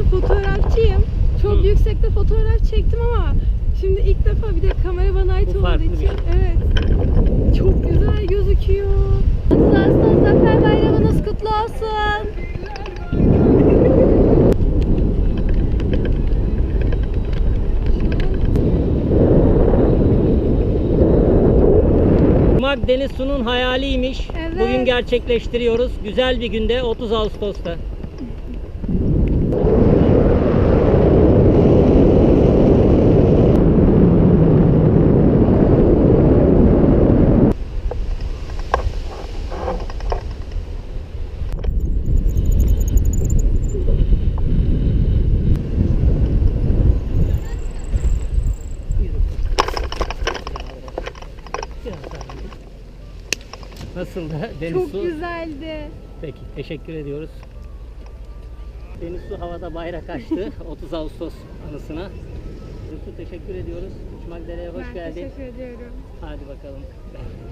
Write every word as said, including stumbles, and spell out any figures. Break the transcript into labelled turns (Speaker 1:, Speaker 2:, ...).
Speaker 1: ben fotoğrafçıyım. Çok
Speaker 2: Hı.
Speaker 1: yüksekte fotoğraf çektim ama şimdi ilk defa bir de kamera bana ait
Speaker 2: Bu
Speaker 1: olduğu
Speaker 2: farklı bir
Speaker 1: için.
Speaker 2: şey.
Speaker 1: Evet. Çok güzel gözüküyor. otuz Ağustos Zafer Bayramınız kutlu olsun.
Speaker 2: Uçmak Deniz Su'nun hayaliymiş.
Speaker 1: Evet.
Speaker 2: Bugün gerçekleştiriyoruz. Güzel bir günde otuz Ağustos'ta. Nasıl da Deniz
Speaker 1: Çok
Speaker 2: Su?
Speaker 1: güzeldi.
Speaker 2: Peki, teşekkür ediyoruz. Deniz Su havada bayrak açtı otuz Ağustos anısına. Deniz Su teşekkür ediyoruz. Uçmak Dere'ye hoş
Speaker 1: Ben
Speaker 2: geldin.
Speaker 1: teşekkür ediyorum.
Speaker 2: Hadi bakalım.